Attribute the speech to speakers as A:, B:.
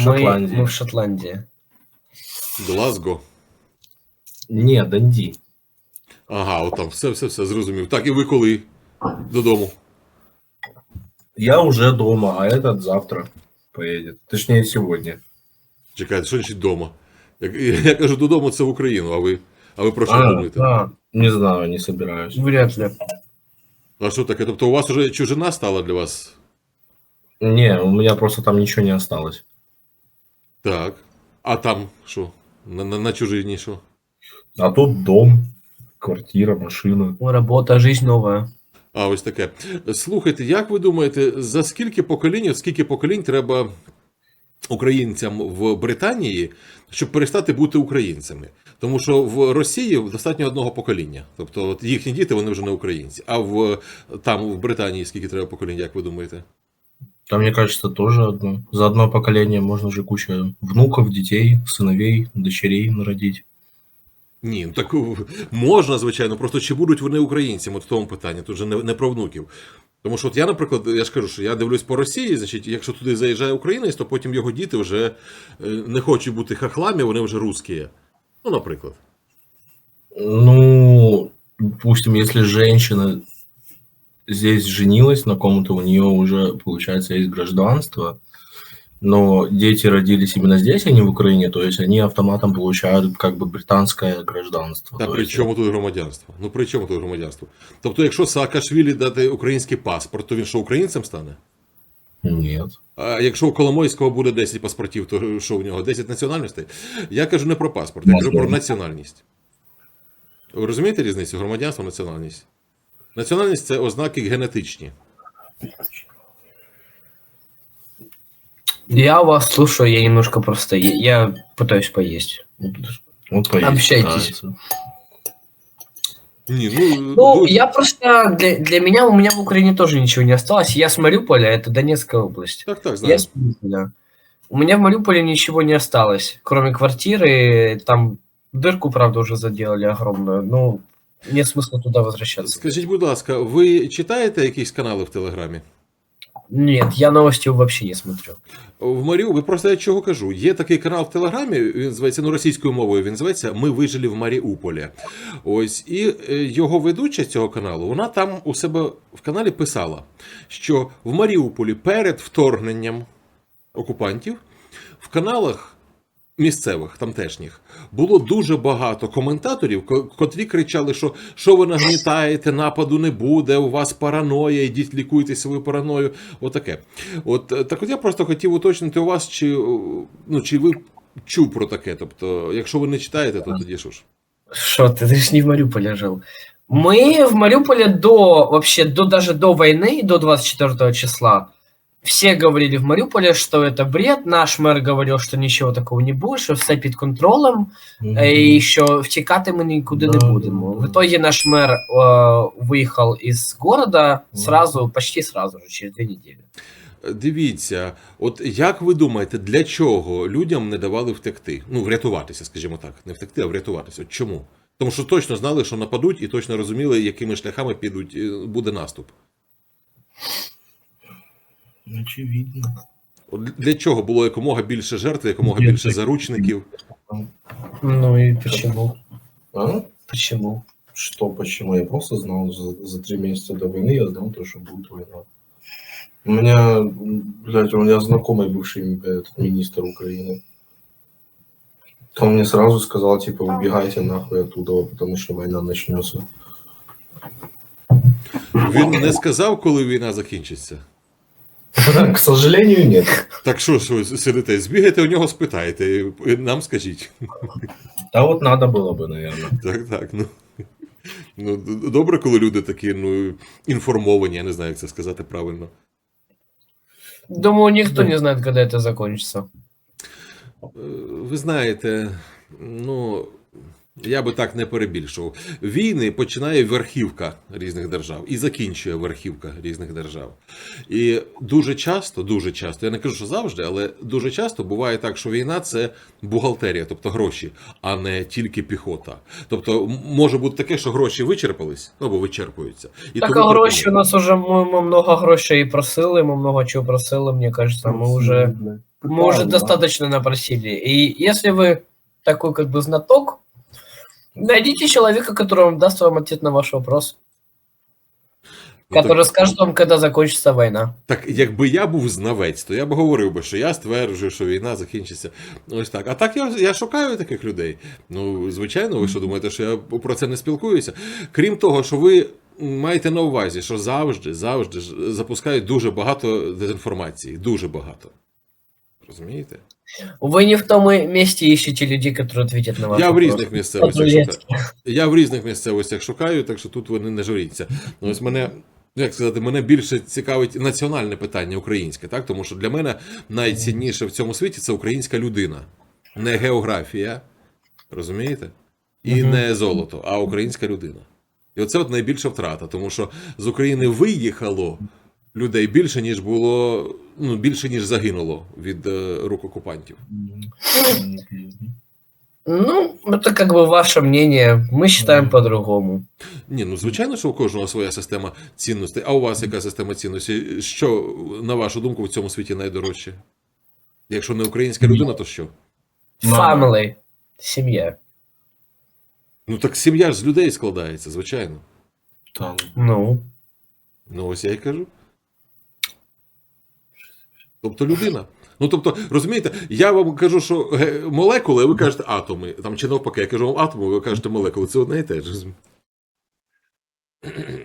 A: Мы в Шотландии.
B: Глазго.
C: Ні, Данді.
B: Ага, от там, все, зрозумів. Так, і ви коли додому?
C: Я уже дома, а этот завтра поедет. Точнее, сегодня.
B: Чекайте, що значить дома? Я кажу, додому це в Україну, а ви про що думаєте?
C: Да. Не знаю, не собираюсь.
A: Вряд ли.
B: А що таке? Тобто у вас уже чужина стала для вас?
C: Не, у меня просто там ничего не осталось.
B: Так. А там що? На чужині що?
C: А тут дом, квартира, машина.
A: Работа, жизнь новая.
B: А, ось таке. Слухайте, як ви думаєте, за скільки поколінь треба українцям в Британії, щоб перестати бути українцями? Тому що в Росії достатньо одного покоління. Тобто от їхні діти, вони вже не українці. А там, в Британії, скільки треба поколінь, як ви думаєте?
C: Там, мне кажется, тоже одно. За одно поколение можно же кучу внуков, детей, сыновей, дочерей народить.
B: Ні, ну так можна, звичайно, просто чи будуть вони українцями, от в тому питанні, тут же не про внуків. Тому що от я, наприклад, я ж кажу, що я дивлюсь по Росії, значить, якщо туди заїжджає українець, то потім його діти вже не хочуть бути хахлами, вони вже русські. Ну, наприклад.
C: Ну, допустим, если женщина здесь женилась на ком-то, у нее уже, получается, есть гражданство, но дети родились именно здесь, а не в Украине, то есть они автоматом получают как бы британское гражданство.
B: Та
C: То
B: при
C: есть-
B: чому тут громадянство? Ну при чому тут громадянство? Тобто, якщо Саакашвілі дати український паспорт, то він що, українцем стане?
C: Нет.
B: А якщо у Коломойського буде 10 паспортів, то що у нього? 10 національностей? Я кажу не про паспорт, я кажу про національність. Ви розумієте різницю? Громадянство, національність? Національність – це ознаки генетичні.
A: Я вас слушаю, я немножко просто... Я пытаюсь поесть.
C: Вот поесть
A: Общайтесь.
C: нравится.
B: Ні,
A: Ну, я просто... Для меня, у меня в Украине тоже ничего не осталось. Я с Мариуполя, это Донецкая область.
B: Так,
A: Я
B: знаю.
A: с Мариуполя. У меня в Мариуполе ничего не осталось, кроме квартиры. Там дырку, правда, уже заделали огромную. Ну, нет смысла туда возвращаться.
B: Скажіть, будь ласка, ви читаєте якісь канали в Телеграмі?
A: Нет, я новости вообще не смотрю.
B: В Маріуполі, просто я чого кажу, є такий канал в Телеграмі, він називається, російською мовою, він називається «Ми вижили в Маріуполі». Ось, і його ведуча цього каналу, вона там у себе в каналі писала, що в Маріуполі перед вторгненням окупантів в каналах місцевих, тамтешніх, було дуже багато коментаторів, котрі кричали, що ви нагнітаєте, нападу не буде, у вас параноя, ідіть лікуйте свою параною, отаке. Так от я просто хотів уточнити у вас, чи ви чув про таке, тобто, якщо ви не читаєте, то тоді що ж?
A: Что ты ж не в Мариуполе жил. Мы в Мариуполе даже до войны, до 24 числа, все говорили в Мариуполе, что это бред. Наш мэр говорил, что ничего такого не будет, что все під контролем, и що втікати ми нікуди не будемо. В итоге наш мэр выехал из города почти сразу же, через 2 недели.
B: Дивіться, от як ви думаєте, для чого людям не давали втекти? Ну, врятуватися, скажімо так. Не втекти, а врятуватися. От чому? Тому що точно знали, що нападуть, і точно розуміли, якими шляхами буде наступ.
C: Очевидно.
B: От для чого було якомога більше жертв, якомога більше заручників?
A: Ну и почему?
C: А?
A: Почему?
C: Что, почему? Я просто знал за 3 месяца до войны, я знал то, что будет война. У меня, блядь, у меня знакомый бывший министр Украины. Он мне сразу сказал, типа, убегайте нахуй оттуда, потому что война начнется.
B: Він не сказав, коли війна закінчиться?
C: К сожалению, нет.
B: Так що ж ви сидите, збігайте у нього, спитайте, і нам скажіть.
C: Да вот надо было бы, наверное.
B: Так, ну, добре, коли люди такі, інформовані, я не знаю, як це сказати правильно.
A: Думаю, никто не знает, когда это закончится.
B: Ви знаєте, я би так не перебільшував. Війни починає верхівка різних держав і закінчує верхівка різних держав. І дуже часто, я не кажу, що завжди, але дуже часто буває так, що війна – це бухгалтерія, тобто гроші, а не тільки піхота. Тобто може бути таке, що гроші вичерпались, або вичерпуються. І
A: так,
B: тому
A: а гроші у нас уже, ми много грошей просили, ми много чого просили, мені кажется, ми вже... Мы уже
C: Да.
A: достаточно напросили. И если вы такой как бы знаток, найдите человека, который вам даст вам ответ на ваш вопрос.
B: Ну,
A: Который скажет вам, когда закончится война.
B: Так, якби я був знавець, то я б говорив би, що я стверджую, що війна закінчиться. Ось так. А так я шукаю таких людей. Ну, звичайно, ви що думаєте, що я про це не спілкуюся? Крім того, що ви маєте на увазі, що завжди запускають дуже багато дезінформації. Дуже багато. Розумієте?
A: Вы не в том месте ищете людей, которые ответят на ваш
B: Я в
A: вопрос.
B: різних місцевостях
A: По-турецки.
B: шукаю. Я в різних місцевостях шукаю, так що тут ви не журіться. Ну, ось мене, як сказати, мене більше цікавить національне питання українське, так? Тому що для мене найцінніше в цьому світі це українська людина. Не географія, розумієте? І не золото, а українська людина. І оце от найбільша втрата, тому що з України виїхало людей більше, ніж було, ну, більше, ніж загинуло від рук окупантів.
A: Ну, это как бы ваше мнение. Мы считаем по-другому.
B: Ні, ну звичайно, що у кожного своя система цінностей. А у вас яка система цінностей? Що, на вашу думку, в цьому світі найдорожче? Якщо не українська людина, то що?
C: Мама.
A: Family. Семья.
B: Ну так сім'я ж з людей складається, звичайно.
C: Там.
A: Ну.
B: Ну ось я й кажу. Тобто людина. Ну, тобто, розумієте, я вам кажу, що молекули, а ви кажете атоми. Там, чи навпаки, я кажу вам атоми, ви кажете молекули. Це одне і те ж.